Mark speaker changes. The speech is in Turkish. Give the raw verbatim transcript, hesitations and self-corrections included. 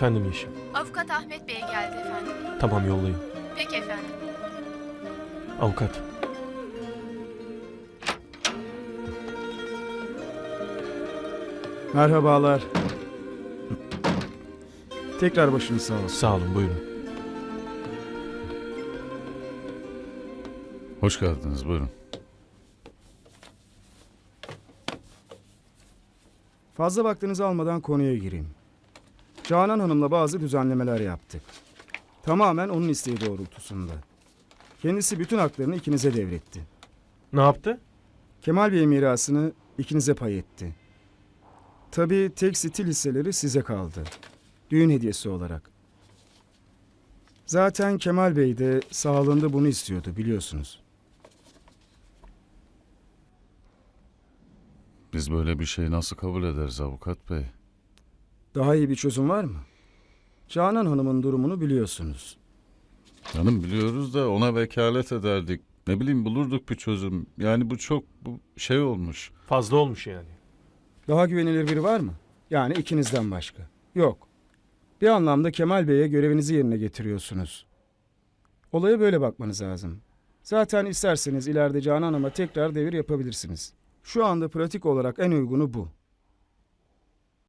Speaker 1: Efendim Yeşim.
Speaker 2: Avukat Ahmet Bey geldi efendim.
Speaker 1: Tamam, yollayın.
Speaker 2: Peki efendim.
Speaker 1: Avukat.
Speaker 3: Merhabalar. Tekrar başınız sağ olsun.
Speaker 1: Sağ olun, buyurun.
Speaker 4: Hoş geldiniz, buyurun.
Speaker 3: Fazla vaktinizi almadan konuya gireyim. Canan Hanım'la bazı düzenlemeler yaptık. Tamamen onun isteği doğrultusunda. Kendisi bütün haklarını ikinize devretti.
Speaker 1: Ne yaptı?
Speaker 3: Kemal Bey mirasını ikinize pay etti. Tabii tek stil hisseleri size kaldı. Düğün hediyesi olarak. Zaten Kemal Bey de sağlığında bunu istiyordu, biliyorsunuz.
Speaker 4: Biz böyle bir şeyi nasıl kabul ederiz avukat bey?
Speaker 3: Daha iyi bir çözüm var mı? Canan Hanım'ın durumunu biliyorsunuz.
Speaker 4: Canım biliyoruz da ona vekalet ederdik. Ne bileyim bulurduk bir çözüm. Yani bu çok bu şey olmuş.
Speaker 1: Fazla olmuş yani.
Speaker 3: Daha güvenilir biri var mı? Yani ikinizden başka. Yok. Bir anlamda Kemal Bey'e görevinizi yerine getiriyorsunuz. Olaya böyle bakmanız lazım. Zaten isterseniz ileride Canan Hanım'a tekrar devir yapabilirsiniz. Şu anda pratik olarak en uygunu bu.